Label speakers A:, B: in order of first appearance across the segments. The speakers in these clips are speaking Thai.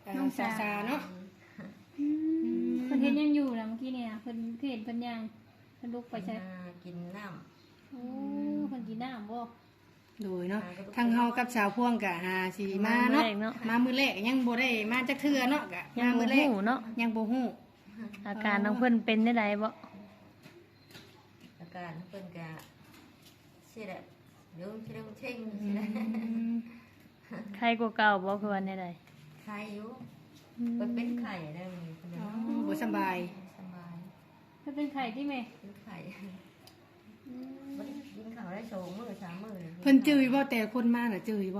A: น้องสาเนาะ
B: เพิ่นเฮ็ดยังอยู่ล่ะเมื่อกี้เนี่ยเพิ่นเฮ็ดเพิ่นย่างเพิ่นลุกไปใช่
C: กินน้
B: โอ้เพิ่นกินน้ำบ่
A: โดยเนาะทางเฮากับสาวพวงกะหาสิมาเนาะมามื้อแรกยังบ่ได้มาจักเทื่อเนาะกะมามื้อแรก
D: เนาะ
A: ยังบ่ฮู้
D: อาการน้องเพิ่นเป็นได้ใดบ่
C: อาการเพิ่นกะสิได้เดี๋ยวสิได้เช่งสิได้
D: ไข้กว่าเก่าบ่คือว่าได้ใด
C: ไข้อยู่เพิ่นเป็นไข้ได้มื้อเพิ่น
A: บ่สบาย
C: สบาย
B: เพิ่นเป็นไข้ที่แม่
C: เป็นไข้บ่ได้กินข้าวได้2 มื้อ3 มื้อ
A: เพิ่นจื้อบ่แต่คนมาน่ะจื้อบ่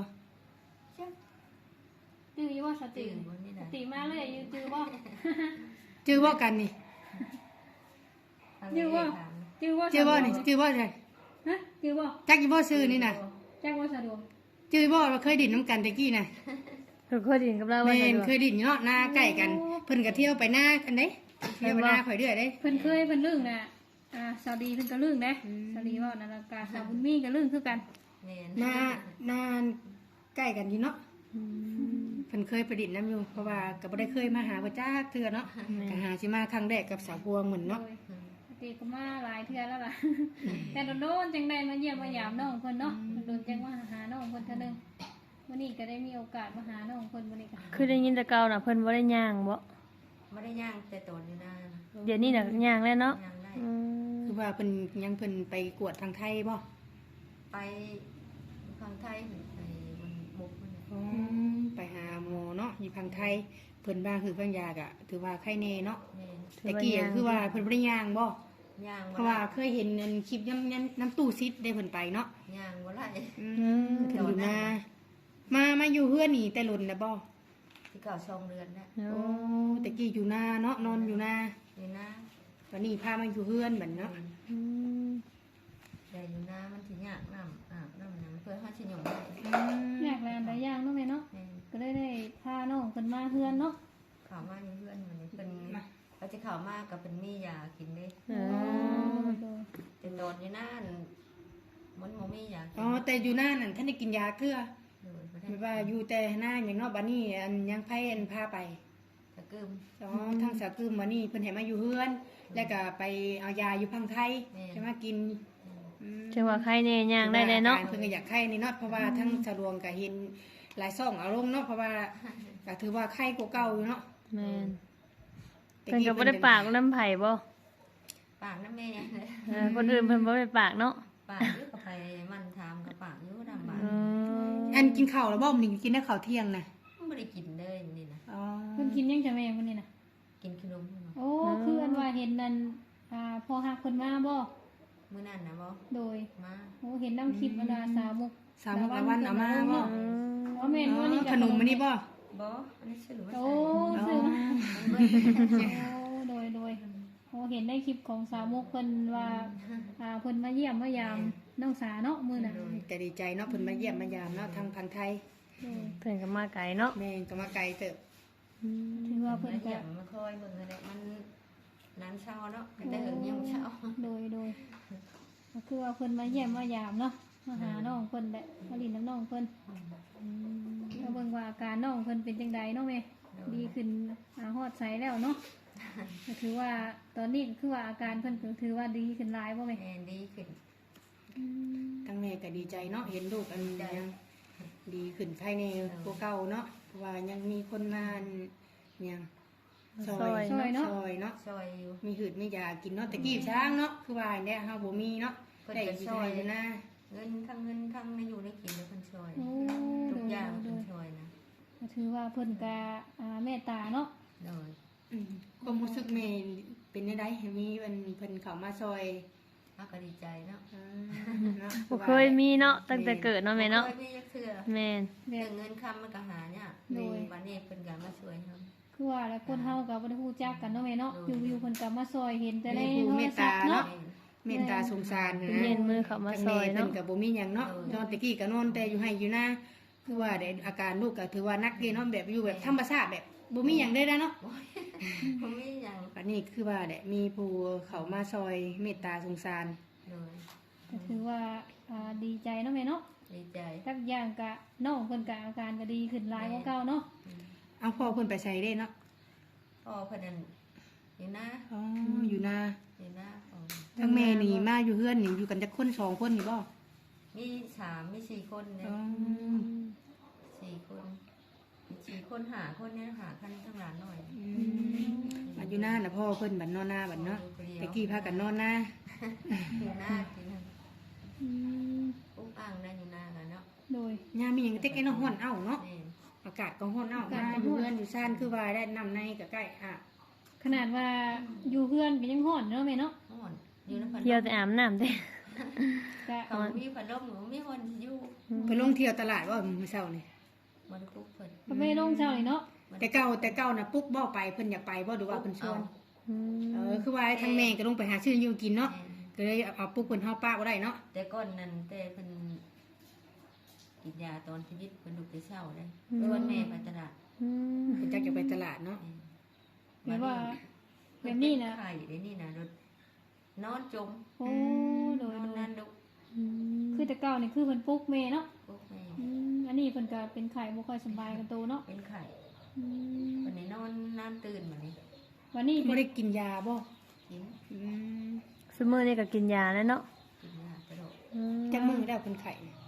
B: จื้ออยู่บ่สติสติมาเลยอยู่จื้อบ่
A: จื้อบ่กันนี่
B: จื้อบ่จื้อบ่
A: จื้อบ่นี่จื้อบ่ใช่
B: ฮะจื้อบ่
A: จักอยู่บ่ซื่อนี่น่ะ
B: จักบ่สะดวก
A: จื้อบ่เราเคยดิ้นน้ำกันตะกี้น่ะ
D: เคยดิ้นกับเราว่า
A: แม่นเคยดิ้นเนาะหน้าใกล้กันเพิ่นก็เที่ยวไปหน้ากันเด้เที่ยวไปหน้าข่อยเรื่อยเด้
B: เพิ่นเคยเพิ่นลึ่งน่ะสาวดีเพิ่นก็ลึ่งเด้สาวดีเว้านั่นล่ะกาสาวบุญมีก็ลึ่งคือกัน
A: หน้าใกล้กันอยู่เนาะเพิ่นเคยไปดิ้นน้ำอยู่เพราะว่าก็บ่ได้เคยมาหาบ่จักเทื่อเนาะก็หาสิมาครั้งแรกกับสาวพวงเหมือนเนาะ
B: ตีก็มาหลายเทื่อแล้วล่ะแต่โดนๆจังได้มาเยี่ยมมายามน้องเพิ่นเนาะโดนจังว่าหาน้องเพิ่นเทื่อนึงวันนี้ก็ได้มีโอกาสมาหาน้องเพิ่นวันนี้ก็
D: คือได้ยินแต่เก่าน่ะเพิ่นบ่ได้ย่างบ่
C: บ่ได้ย่างแต่ตนอยู่นะ
D: เดี๋ยวนี้น่ะย่างแล้วเนาะ
A: คือว่าเพิ่นยังเพิ่นไปกวดทางไทยบ่
C: ไปทางไทยไปมันมุกมัน
A: ไปหาหมอเนาะอยู่ทางไทยเพิ่นว่าคือเพิ่นยากะถือว่าไข้แน่เนาะแต่กี้คือว่าเพิ่นบ่ได้ย่างบ่
C: ย่าง
A: เพราะว่าเคยเห็นอันคลิปน้ำตู้ซิดได้เพิ่นไปเนาะ
C: ย่างบ่ได้
A: เพิ่นอยู่มาอยู่เฮือนนี่แต่หล่นนะบ่
C: ที่เก่า2 เดือนแล้ว
A: โอ้แต่กี้อยู่นาเนาะนอนอยู่นาวันนี้พามาอยู่เฮือนบัดเนาะ
C: แต่อยู่นามันสิยากน้ำอาบน้ำหยังเพื่อเฮาสิหยังได้
B: ยากแลหลายอย่างเนาะแม่เนาะก็ได้พาน้องเพิ่นมาเฮือนเนาะ
C: เข้ามาอยู่เฮือนมันนี่เพิ่นก็จะเข้ามาก็เป็นมียากินเด้แต่นอนอยู่นั่นมันบ่มียากิน
A: แต่อยู่นานั่นท่านได้กินยาเกลือไม่ว่าอยู่แต่หน้าอย่างเนาะบัดนี้อันยังไผอันพาไป
C: สะกึม
A: ทางสะกึมบัดนี้เพิ่นให้มาอยู่เฮือนแล้วก็ไปเอายาอยู่พังไทยจะมากิน
D: จังว่าไข้แน่ย่างได้เลยเนาะ
A: เพิ่นก็อยากไข้นี่เนาะเพราะว่าทั้งสะดวงก็เห็นหลายซ่องเอาลงเนาะเพราะว่าก็ถือว่าไข้กว่าเก่าอยู่เนาะ
D: แม่นเพิ่นก็บ่ได้ปากน้ำไผบ่
C: ปากน้ำแม่
D: คนอื่นเพิ่นบ่ได้ปากเนาะ
C: ปากอยู่กับไผมันถามกับปากอยู่ดำบา
A: อันกินข้าวแล้วบ่มื้อนี้กินได้ข้าวเที่ยงน่ะ
C: บ่ได้กินเลยนี่นะ
B: เพิ่นกินยังจะแม่มื้อนี้น่ะ
C: กินขนม
B: โอ้คืออันว่าเห็นนั่นพอฮักเพิ่นมาบ่
C: มื้อนั้นน่ะบ่
B: โดย
C: มา
B: โอ้เห็นนำคลิปอันสาวมุก
A: ละวันเอามาบ่
B: แม่นบ่นี่
A: ขนมมื้อนี้บ่
C: อันนี้ชื่อว่า
B: โอ้ซื้อมาโดยโอ้เห็นในคลิปของสาวมุกเพิ่นว่าเพิ่นมาเยี่ยมมายามน้องสาเนาะมื้อน่ะ
A: ก็ดีใจเนาะเพิ่นมาเยี่ยมมายามเนาะทางพันไทย
D: เพิ่นก็มาไกลเนาะ
A: แม่ก็มาไกลเติบ
B: ถือว่าเพิ่นก็
C: มาคอยเบิ่งนั่นแหละมันนั้นเช้าเนาะแต่เฮิงยังเช้า
B: โดยก็คือว่าเพิ่นมาเยี่ยมมายามเนาะมาหาน้องเพิ่นแหละมาลินน้ำน้องเพิ่นก็เบิ่งว่าอาการน้องเพิ่นเป็นจังไดเนาะแม่ดีขึ้นฮอดใสแล้วเนาะก็ถือว่าตอนนี้ก็คือว่าอาการเพิ่นก็ถือว่าดีขึ้นหลายบ่แม่
C: ดีขึ้น
A: ทั้งแม่ก็ดีใจเนาะเห็นลูกอันยังดีขึ้นภายในกว่าเก่าเนาะเพราะว่ายังมีคนมายังซอยเนาะ
C: ซอย
A: มีหืดมียากินเนาะแต่กี้ช้างเนาะคือว่าเนี่ยเฮาบ่มีเนาะได้ซอยนะ
C: เงินทั้งในอยู่ในกินแล้วเพิ่นซอยทุกอย่างเพิ่นซอยนะ
B: ก็ถือว่าเพิ่นก็เมตตาเนาะ
C: โดย
A: ความรู้สึกแม่เป็นได้ได้มีเพิ่นเข้ามาซอย
C: ก็ดีใจเนาะ
D: บ่เคยมีเนาะตั้งแต่เกิดเนาะแม่เนาะ
C: เคยมีจักเทื่อ
D: แม่น
C: เงินคำมันก็หาเนี่ยบัดนี้เพิ่นก็มาช่วยเฮา
B: คือว่าแล้วคนเฮาก็บ่ได้ฮู้จักกันเนาะแม่เนาะอยู่ๆเพิ่นก็มาซอยเห็นแต่ในโทรศัพท์เนาะ
A: เมตตาสงสารนะ
D: เย็นมือเข้ามาซอยเนาะ
A: เพิ่นก็บ่มีหยังเนาะตอนตะกี้ก็นอนแต่อยู่ให้อยู่นาคือว่าได้อาการลูกก็ถือว่านักเรียนเนาะแบบอยู่แบบธรรมชาติแบบบ่มีหยังได้เนาะ
C: บ่มีหยัง
A: อันนี้คือว่าได้มีผู้เข้ามาซอยเมตตาสงสาร
B: ก็ถือว่าดีใจเนาะแม่เนาะ
C: ดีใจ
B: ทุกอย่างก็น้องเพิ่นก็อาการก็ดีขึ้นหลายกว่าเก่าเนาะ
A: เอาพ่อเพิ่นไปใส่เด้เนาะ
C: พ่อเพิ่นนั่นอยู่นะ
A: อ๋ออยู่นา
C: อยู่นะพ่อ
A: ทั้งแม่นี่มาอยู่เฮือนนี่อยู่กันจักคนสองคนนี่บ่
C: มี3มี4คนเนี่ย
A: อ๋อ
C: 4คนมี4คน5คนเนี่ยหาคันทั้งหลานหน่อย
A: มาอยู่นาน่ะพ่อเพิ่นบัดนอนนาบัดเนาะตะกี้พากันนอนนา
C: อยู่หน้ากินนั่น
B: อืม
C: ปุ๊บอ่างนั่นอยู่หน้ากันเนาะ
B: โดย
A: ยามมีหยังเต็กไอ้น้องฮ้อนเอ้าเนาะ
C: นี่
A: อากาศก็ฮ้อนเอ้ามาอยู่เฮือนอยู่ซ่านคือว่าได้น้ำในก็ใกล้อ่ะ
B: ขนาดว่าอยู่เพื่อนก็ยังฮ้อนเนาะแม่เนาะ
C: ห้อนอยู่ในพัดล
D: เที่ยว
C: ม
D: แต่อาบน้ำเด้
B: ก็
C: เขามีพัดลมหนูมีคนอยู่
A: เพิ่นลงเที่ยวตลาดว่ามื้อเช้านี่
C: มันปุ๊บเพิ่น
B: ก็ไม่ลงเช้านี่เนาะ
A: แต่เก่าน่ะปุ๊กบ่ไปเพิ่นอยากไปบ่หรือว่าเพิ่นชวน
D: อืม
A: คือว่าทั้งแม่ก็ลงไปหาชื่ออยู่กินเนาะก็เลยเอาปุ๊กเพิ่นเฮาป้าบ่ได้เนาะ
C: แต่ก่อนนั้นแต่เพิ่นกินยาตอนชีวิตเพิ่นลุกแต่เช้าเลยวันแม่ไปตลาด
D: อืม
A: เพิ่นจักจะไปตลาดเนาะ
B: แบบว่าแบบนี้นะ
C: ไข่เดี๋ยวนี้นะรถนอนจม
B: โอ้โด
C: น
B: ย
C: อน
B: โดย
C: นั่นลุก
D: อืม
B: คือแต่เก่านี่คือเพิ่นปลุกแม่เนาะ
C: ปุ๊บแม่
B: อันนี้เพิ่นก็เป็นไข้บ่ค่อยสบายกันโตเนาะ
C: เป็นไข่
B: อืม
C: วันนี้นอนน้ำตื่นมานี่
B: วันนี้
A: บ่
B: เป็น
A: ได้กินยาบ่
C: กิน
A: อืม
D: ซุมื้อนี้ก็กินยาแล้วเนาะ
C: กินยาตลอด
D: อืม
A: จักมื้อแล้วเพิ่นไข้เนี่ย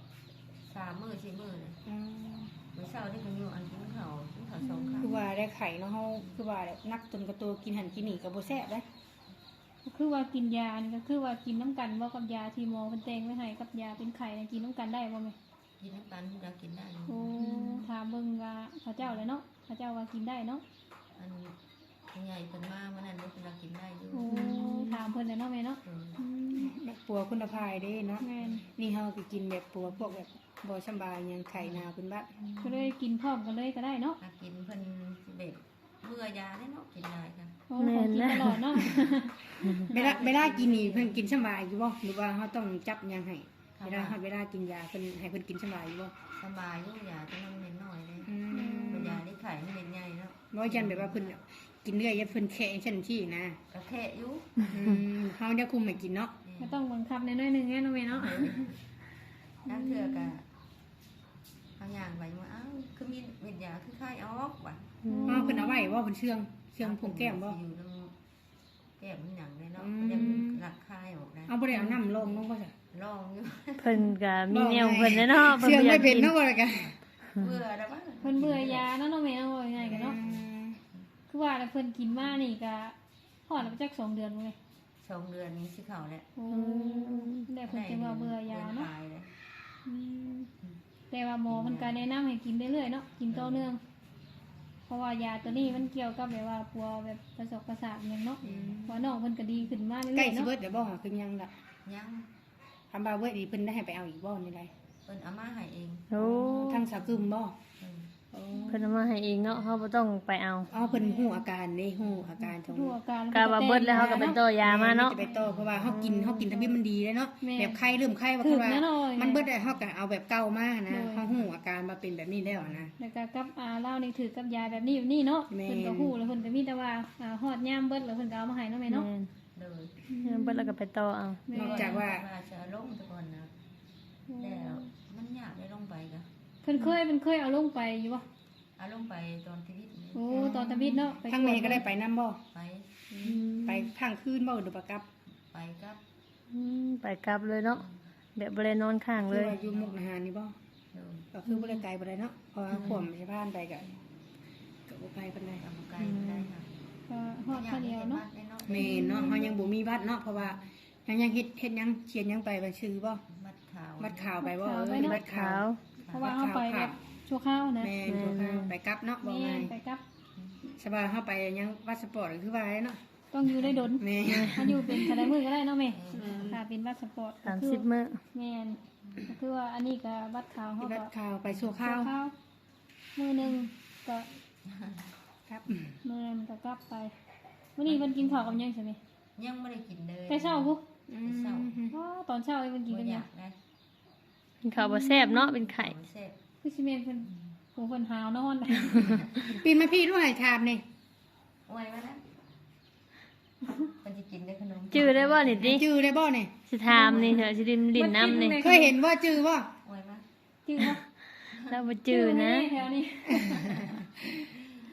C: 3 มื้อ4 มื้อเลย
A: อืม
C: มื้อเช้านี่เพิ่นอยู่อันกินข้าว2 ครั้ง
A: คือว่าได้ไข้เนาะเฮาคือว่าแบบนักจนกระตัวกินหันกินนี่ก็บ่แซ่บเด้
B: ก็คือว่ากินยานี่ก็คือว่ากินน้ำกันบ่กับยาที่หมอเพิ่นแต่งไว้ให้กับยาเป็นไข้น่ะกินน้ำกันได้บ่แม่
C: กินน้ำตาลอยากกินได้อยู่
B: โอ้ถามเบิ่งว่าเขาเจ้าเลยเนาะเขาเจ้าว่ากินได้เนาะ
C: อันผู้ใหญ่เพิ่นมาเมื่อนั้นเพิ่นอยากกินได้อยู่
B: โอ้ถามเพิ่นเลยเนาะแม่เนาะ
C: เออ
B: อืม
A: แบบปัวคุณภาพเด้เนาะ
B: แม่น
A: นี่เฮาก็กินแบบปัวพวกแบบบ่สำบายหยังไข้หนาวเพิ่นบัด
B: ก็เลยกินพร้อมกันเลยก็ได้เนาะ
C: อยากกินเพิ่นสิเบ็ดเบื่อยาได้เนาะกินได้ค่ะ
B: โอ้ของกินตลอดเนาะ
A: เวลากินนี่เพิ่นกินสำบายอยู่บ่หรือว่าเฮาต้องจับหยังให้เวลากินยาเพิ่นให้เพิ่นกินสำบายอยู่บ่
C: สบายอยู่ยาแต่มันเม็ดน้อยเลย
A: อืม
C: เป็นยาที่ไข่มันเม็ดใหญ่เนาะ
A: บ่ยันแบบว่าเพิ่นกินเรื่อยอย่าเพิ่นแค่จังซี่นะ
C: กระแทะอยู่
A: เฮาจะคุมให้กินเนาะ
B: ก็ต้องบังคับในน้อยๆหนึงแน่เนาะแม่เนาะ
C: นั่นเถื่อกะเอาอย่างไปว่าอ้าวคือมีเม็ดยาคือไข้ออกว่ะ
A: อ๋อเพิ่นเอาไว้บ่เพิ่นเชื่องผงแก้มบ่
C: อยู่ตรงแก้มมันหยังเลยเนาะ
A: อืม
C: ยังหลักคายออกได้
A: เอาบ่ได้เอาน้ำลงบ่จ้ะ
C: ลองอยู่
D: เพิ่นก็มีแนวของเพิ่นแล้วเนาะ
A: เชื่อง
D: บ่
A: ไม่
D: ยาก
A: เป็น
D: กิน
A: เนาะบ่ล่ะกัน
C: เบื่อแล้วว่า
B: เพิ่นเบื่อยาเนาะเนาะแม่เนาะว่าง่ายๆกันเนาะคือว่าแล้วเพิ่นกินมานี่ก็ฮอดแล้วจัก2 เดือนบ่แม่
C: 2 เดือนนี้สิเข้าแล้ว
B: โอ้แล้วเพิ่นจะว่าเบื่อยาเนาะ
C: ตายเลย
B: อืมแต่ว่าหมอมันก็แนะนำให้กินเรื่อยๆเนาะกินต่อเนื่องเพราะว่ายาตัวนี้มันเกี่ยวกับแบบว่าปัวแบบประสบประสาทอย่างเนาะว่าน้องเพิ่นก็ดีขึ้นมาเรื่
A: ใกล้
B: อยๆ
A: สิ
B: เนาะ
A: เบิดเดี๋ยวบ่คือยังล่ะ
C: ยัง
A: ทำบาเบิดอีเพิ่นได้ให้ไปเอาอีกบ่นี่ได
C: เพิ่นเอามาให้เอง
D: โอ้
A: ทางสาวกึมบ่
C: เออ
D: เพิ่นเอามาให้เองเนาะเฮาบ่ต้องไปเอา
A: อ๋อเพิ่นฮู้อาการนี่ฮู้อาการของ
B: ดูอาการ
D: กะว่าเบิดแล้วเฮาก็ไปต่อยามาเนาะ
A: จะไปต่อเพราะว่าเฮากินทำให้มันดีเลยเนาะแบบไข้เริ่มไข้ว่า
B: ถึ
A: คื
B: ง
A: อว่า
B: นะหน่อย
A: มันเบิดได้เฮาก็เอาแบบเก่ามานะเฮาฮู้อาการมาเป็นแบบนี้แล้วนะ
B: แล้วก็กับเล่านี่ถือกับยาแบบนี้แบบนี้เนาะ
A: แม่น
B: เพิ่นก็ฮู้แล้วเพิ่นก็มีแต่ว่าฮอดยามเบิดแล้วเพิ่นก็เอามาให้เนาะแม่เนาะ
D: แม่น
C: เลย
D: เบิดแล้วก็ไปต่อเอา
B: แม่
A: นอกจากว่า
C: จะลงแตะก่อนนะแล้วมันยากได้ลงไปกะ
B: เพิ่นเคยเอาลงไปอยู่บ่
C: เอาลงไปตอนชีวิตนี้
B: โอ้ตอนตะวิดเนาะไป
A: ทางแม่ก็ได้ไปนํบ่
C: ไป
A: ไปข้างคืนบ่หรือปะกับ
C: ไปกับ
D: ไปกลับเลยเนาะแบบบ่ได้นอนข้าง
A: คื
D: เล
A: อย ว่าอยู่มุกดาหารนี่บ่
C: เลย
A: ก็คือบ่ได้ไกลบ่ได้เนาะเพราะว่าขวมสิผ่านไปก็บ่ไกลปานใด
C: ทำไกลได้ค่ะ
B: ก็ฮอดเท่าเดียวเนาะ
A: แม่นเนาะเฮายังบ่มีบัตรเนาะเพราะว่ายังเฮ็ดยังเขียนยังไปบัญชีบ่
C: บัดขาว
A: บัตรข่าวไปบ่บัตร
D: ขาว
B: เพราะว่าเฮาไปแบบชั่วคราวนะ
A: แม่นตัวข้าวไปกลับเนาะบ่
B: แม่
A: ง่าย
B: ไปกับ
A: สบายเฮาไปยังวัดสปอร์ตก็คือว่าเนาะ
B: ต้องอยู่ได้ดน
A: แม่
B: มันอยู่เป็นกระไดมือก็ได้เนาะแม่ถ้าเป็นบัตรสปอร์ตก็คือ
D: 30มื้อ
B: แม่นก็คือว่าอันนี้ก็บัตรขาวเฮา
A: บั
B: ก็
A: ตรข่าวไปสู่
B: ชั่
A: ข้าว
B: วคราวมือหนึงก็
A: ครับ
B: มือนั้นก็กลับไปมื้อนี้เพิ่นกินข้าวกับหยังใช่ไหม
C: ยังไม่ได้กินเลย
B: แต่เช้าพุ
C: เศร้า
B: อ๋อตอนเช้าเพิ่นกิน
C: บ่
B: กัน
C: อ
B: หยั
C: ยาง กได้
D: กินข้าวบ่แซ่บเนาะเป็นไข้
C: เสร็จ
B: คือสิแม่นเพิ่นผู้เพิ่นหาวนอน
A: ปีนมาพี่ด้วยถามนี่
C: โอ้ยมาแล้วมันจะกินได้ขนม
D: จื้อได้บ่นี่ติ
A: จื้อได้บ่นี่
D: สิถามนี่เถอะสิลิ้นน้ำนี่
A: เคยเห็นว่าจื้อบ่
C: โอ้ยมา
B: จื้อบ่
D: เราบ่จื้อนะ
B: แถวนี้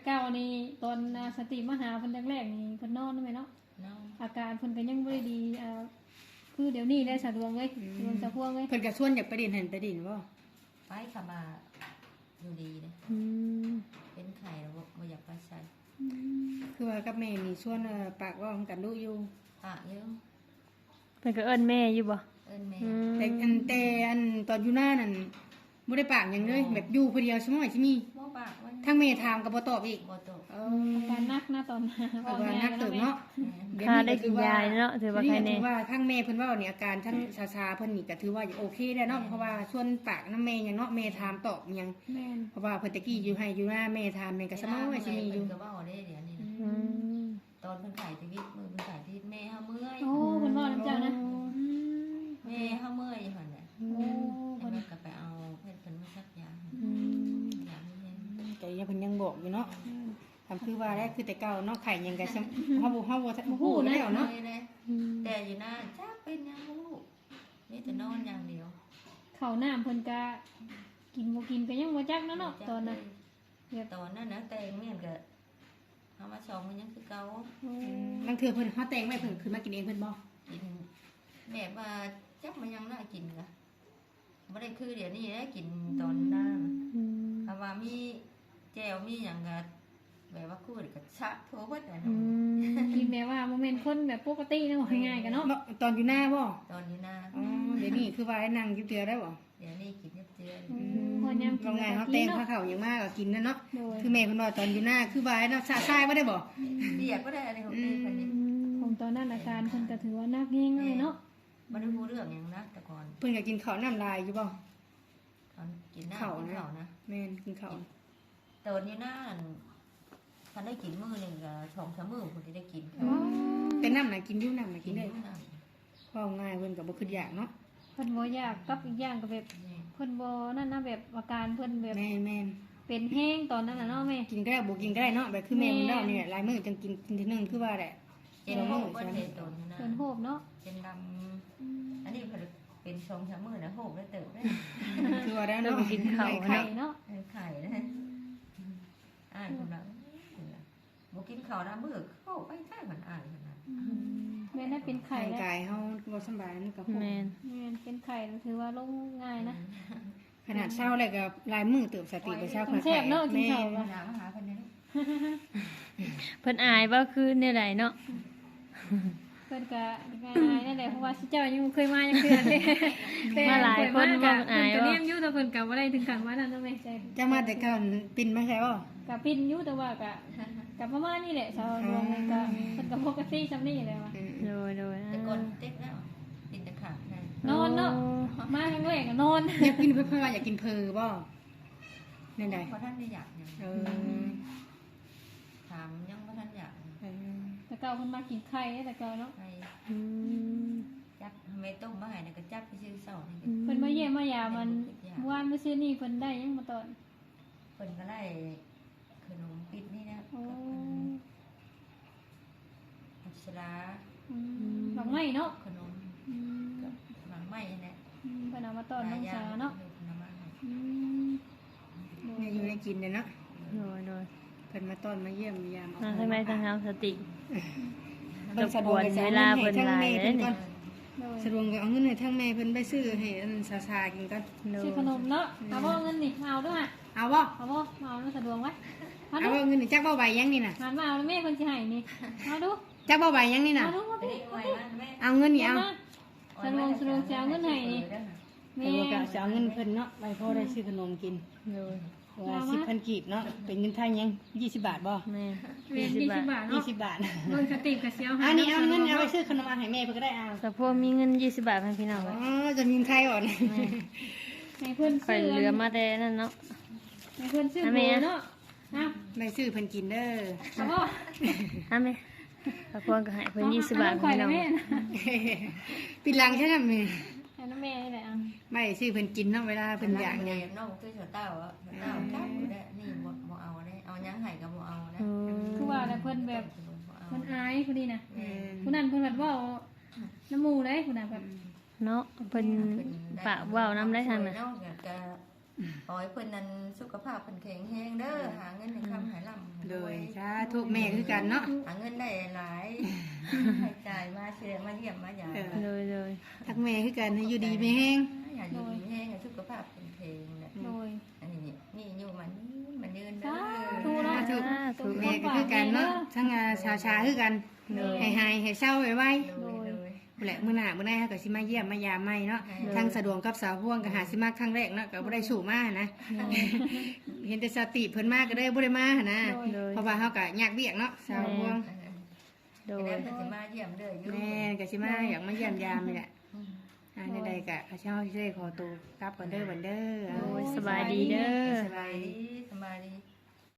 B: เก้านี่ตอนสติมาหาเพิ่นแรกๆนี่เพิ่นนอนได้ไหมเนาะ
C: เนาะ
B: อาการเพิ่นก็ยังบ่ได้ดีคือเดี๋ยวนี้ได้สะดวกเลยสะดวกสะพวงเลย
A: เพิ่นก็ชวนอยากไปดินเห็นไปดินบ่
C: ไปขามาอยู่ดีเลย
D: อืม
C: เป็นไข่แล้วบ่อยากไปใส่
A: คือว่ากับแม่นี่ชวนปากเว่ากันดูอยู่
C: ปากเยอะ
D: เพิ่นก็เอิ้นแม่อยู่บ่
C: เอิ้นแม่
D: อืม
A: แต่ตอนอยู่หน้านั่นบ่ได้ปากหยังเลยแบบอยู่ผู้เดียวใช่มั้ยสิมี
C: บ่ปากมัน
A: ทั้งแม่ถามก็บ่ตอบอีก
C: บ่ตก
B: อาการหนักนะตอน
A: เอาว่านักเติบเนาะ
D: ค่าได้กินยาเนาะถือว่าใคร
A: ถื
D: แน่
A: อว่าทั้งแม่เพิ่นเว้านี่อาการทั้งชาๆเพิ่นนี่ก็ถือว่าโอเคแล้วเนาะเพราะว่าส่วนปากน้ำแม่หยังเนาะแม่ถามตอบหยัง
B: แม่น
A: เพราะว่าเพิ่นตะกี้อยู่ให้อยู่หน้าแม่ถามแม่ก็สมองว่าสิมีอยู่
C: ก็เว้าได้เดี๋ยวนี้นะ
D: อืม
C: ตอนเพิ่นขายชีวิตมือเพิ่นขายชีวิตแม่เฮาเมื่อย
B: โอ้เพิ่นว่าน้ำเจ้านะ
C: แม่เฮาเมื่อยอยู่หั่นแหละ
B: โอ้
C: เพิ่
B: เพิ่
C: น
B: น
C: ก็ไปเอาเพิ่นมาซักยา
D: อืม
C: ยาให้เย็น
A: แต่ยังเพิ่นยังบอกอยู่เนาะทำคือว่าได้คือแต่เก่าเนาะไข่ยังก็เฮาบ่ฮู้แล้วเนาะ
C: เลยนะแต่อยู่หน้าจักเป็นยังบ่รู้มีแต่นอนอย่างเดียว
B: ข้าวน้ำเพิ่นก็กินบ่กินก็ยังบ่จักเนาะตอนนั้น
C: ตอนนั้นนะแต่งเนี่ยก็เอามาชองมันยังคือเก่า
B: โอ้
A: บางเทื่อเพิ่นเฮาแต่งไว้เพิ่นขึ้นมากินเองเพิ่นบ่
C: กินแม่ว่าจักมันยังน่ากินกะไม่ได้คือเดี๋ยวนี้ได้กินตอนหน้า
D: อืม
C: คำว่ามีแจวมีอย่างกะแบบว่าคู่กับชะโทเบิดอะ
D: อื
C: เนาะ
D: ม
B: กินแบบว่าบ่แม่นคนแบบปกตินะว่าง่ายๆกันเนาะ
A: ตอนอยู่หน้าบ่
C: ตอนนี้หน้า
A: อ๋อเดี๋ยวนี้คือว่าให้นั่งอยู่เดียวได้บ่
C: เดี๋ยวนี้กินเยอะเจือ
B: พอยามกิ
A: ก็
B: น
A: ไง
B: ก็
A: เฮา
B: กิ
A: แต่
B: น
A: ง
B: เนาะ
A: ข้าวเขาอย่างมากก็กินนั่นเนาะ
B: โดย
A: คือแม่เพิ่นว่าตอนอยู่หน้าคือว่าให้เนาะซายบ่ได้บ่
C: เบียดก็ได้อะไรของเต้คนนี้
B: ของตอนนั้นอาการเพิ่นก็ถือว่าหนักแฮงเลยเนาะ
C: ไม่ได้รู้เรื่องอย่างนะแต่ก่อน
A: เพิ่นก็กินข้าวน้ำลายอยู่บ่
C: ตอนกินหน้ากินข้าวนะ
A: แม่นกินข้าว
C: ตอนนี้หน้าท่านได้กินมื้อหนึ่งกับ2-3มื้อคนที่ได้กิน
A: แต่น้ำน่ะกินอยู่น้ำน่ะ
C: กิ
A: กิ
C: น
A: น
C: ได้
A: ได้เพราะง่ายเพิ่นก็บ่คิดอยากเนาะ
B: เพิ่นบ่อยากกับอีกอย่างก็แบบเพิ่นบ่นั่นนะแบบอาการเพิ่นแบบ
A: แม่น
B: เป็นแห้งตอนนั้นน่ะเนาะแม่
A: กินก็ได้บ่กินก็ได้เนาะแบบคือแม่เพิ่นเล่านี่แหละหลายมื้อจังกินทีนึงคือว่าแหละ
C: เจนโฮก็เห็นตนนะ
B: เป็นโหบเนาะ
C: เจนดำอันนี้เป็น2-3มื้อนะโฮได้เติบได้
A: คือว่าได้เนาะ
B: ไข่เนาะ
C: ไข่นะกำลังบ่กินข้าวนะมื้อเข้าไปใกล้มันอ่านขนาด
B: แม่ได้เป็นไข่
A: ร่าง
B: แล้ว
A: กายเฮาบ่สำบายมันก็พวก
D: แม่น
B: แม่เป็นไข่ถือว่าลงง่ายนะ
A: ขนาดเช้าแล้วก็หลายมื้อเติบสติไปเช้า
B: แซ่บเนาะกินข้าว
C: หามาหาเพิ่นนี่
D: เพิ่นอายบ่คือแนวใดเนาะ
B: เพิ่นก็ง่ายๆนั่นแหละเพราะว่าสิเจ้ายังบ่เคยมาจังคือเลย
D: มาหลายคนบ่
B: เพิ่
D: เพิ่นอาย
B: นก็
D: บ่
B: เนียมอยู่แต่เพิ่นก็บ่ได้ถึงขั้นว่านั้นเนาะแม่ใจ
A: จะมาแต่ก่อนปิ่นมาใช่บ่
B: ก็ปิ้นอยู่แต่ว่าก็ประมาณนี้แหละชาวดวงมันก็เพิ่นก็ปกติซำนี้แหละว่า
D: โดยโดย
C: แต่ก่อนเต็กแล้วกินแต่ขาดนะ
B: นอนเนาะมาครั้งแรกก็นอน
A: อยากกินเพิ่นว่าอยากกินเพอบ่นั่นใด
C: เพราะท่านไม่อยากยัง
A: เออ
C: ถามยังว่าท่านอยาก
B: แต่เก่าเพิ่นมากินไข่แต่เก่าเนาะ
C: ไป
D: อืม
C: จับไม่ต้มมาให้นะก็จับไปซื้อเสานี่
B: เพิ่นมาเยี่ยมมายามมันเมื่อวานมื้อซื่อนี้เพิ่นได้หยังมาตอน
C: เพิ่นก็ไล่ขนมปิดนี่นะ
B: โอ้
C: อักษรา
B: ดอกไม้เนาะ
C: ขนม
B: อืม
C: กับหลังไม้นี่แหละ
B: เพิ่นเอามาตอนน้องสาเนาะ
C: น้ำมัน
B: อืม
A: เนี่ยอยู่ในกินเนี่ยเนาะ
D: โดยโดย
A: เพิ่นมาต้อนมาเยี่ยมยาม
D: ทางในทางเฮาสติ
A: เพิ่นสะดวกให้เวลาเพิ่นหลายเด้นี่
B: โดย
A: สะดวกเอาเงินให้ทั้งแม่เพิ่นไปซื้อให้อันซาๆกินก่อน
D: โดย
B: ซื้อขนมเนาะเอาบ่เงินนี่เอาด้วยอ่ะ
A: เอาบ่
B: เอาบ่เอาเนาะสะดวกไว้มา
A: เอา
B: ดู
A: บ่เงินนี่จักบ่ใบยังนี่น่ะ
B: หันมาเอาแล้วแม่เพิ่นสิให้นี่เอาดู
A: จักบ่ใบยังนี่น่ะ
B: เอาดูมา
C: ไป
B: ดู
C: ได้ไว้มันแม่
A: เอาเงินนี่เอา
B: สะดวกจะเอาเงินให้นี่
A: เออก็จะเอาเงินเพิ่นเนาะไว้พอได้ซื้อขนมกิน
D: โดย
A: ว่า10,000กีบเนาะเป็นเงินไทยยัง20 บาทบ่
D: แม่
B: เรียน20 บาทเนาะ
A: 20 บาท
B: เบิ่งสติกระเสียว
A: อันนี้เอาเงินเอาไปซื้อขนมอาหารให้แม่เพิ่นก็ได้เอา
D: สะพวกมีเงิน20 บาทให้พี่น้อง
A: อ๋
D: ไว้
A: อจะมีเงินไทยก่อน
B: ให้เพิ่น
D: ข่อย
B: ซื้อ
D: เหลือมาแต่นั่นเนาะ
B: ให้เพิ่นซื้อเบอร์เนาะเอา
A: ได้ซื้อเพิ่นกินเด้อ
B: เอาบ่
D: ฮะแม่สะพวกก็ให้เพิ่น20 บาท
B: ข่อย
D: พี่
B: แล้
D: น้
B: ว
D: อง
B: แม่
A: ปิดหลังใช่ไหมแม่
B: ให้น้ำแม่นี่แหละอ่ะ
A: ไม่ซื้อเพิ่นกินเนาะเวลาเพิ่นอยาก
C: เนี่
A: เนี่ย
C: ยน้องคือเสาเต้าอ่ะเต้าจับอยู่ได้นี่บ่เอาได้เอายังไห้ก็บ่เอานะ
D: อืม
B: คือว่าแต่เพิ่นแบบเพิ่นอายผู้นี้น่ะ
A: เออ
B: ผู้นั้นเพิ่นแบบเว้าน้ำหมู่เลยผู้นั้นแบบ
D: เนาะเพิ่นปากเว้านำได้ทางน่ะ
C: เนาะก็ขอให้เพิ่นนั้นสุขภาพเพิ่นแข็งแรงเด้อหาเงินให้ค้ำให้ร่ำ
A: โดยธุแม่คือกันเนาะ
C: หาเงินได้หลายให้จ่ายมาเชื่อมาเยี่ยมมาหยา
D: เลย
A: ทักแม่คือกันให้อยู่ดีไม่แห้ง
C: อยากอยู่ดีแห้งสุขภาพเป็นเพลงเนี่ย
B: โดย
C: อันนี้นี่อยู่มันยืน
B: สา
C: เด้
B: ธุ
C: อ
B: เนาะ
D: ถูก
A: แม่ก็คือกันเนาะทั้งชาคือกันให้หายให้เศร้าไว้ แหละมื้อหน้าเฮาก็สิมาเยี่ยมมายามใหม่เนาะทางสะดวกกับสาวพ่วงก็หาสิมาครั้งแรกเนาะก็บ่ได้สู่มานะ เห็นแต่สติเพิ่นมาก็ได้บ่ได้มาหั่นนะ
D: เลย
A: เพราะว่าเฮาก็ยากเวียกเนาะสาวพ่วง
D: โด
C: โด
D: ย
C: ยจะมาเยี่ยมเด้ออยู่
A: แม่ก็สิมาอยากมาเยี่ยมยามนี่แหละในใดๆก็ข้าเจ้าสิได้ขอตัวกลับก่อนเด้อบัดเด้อ
D: โอ้ยสบายดีเด้อ
A: สบายดี
C: สบายดี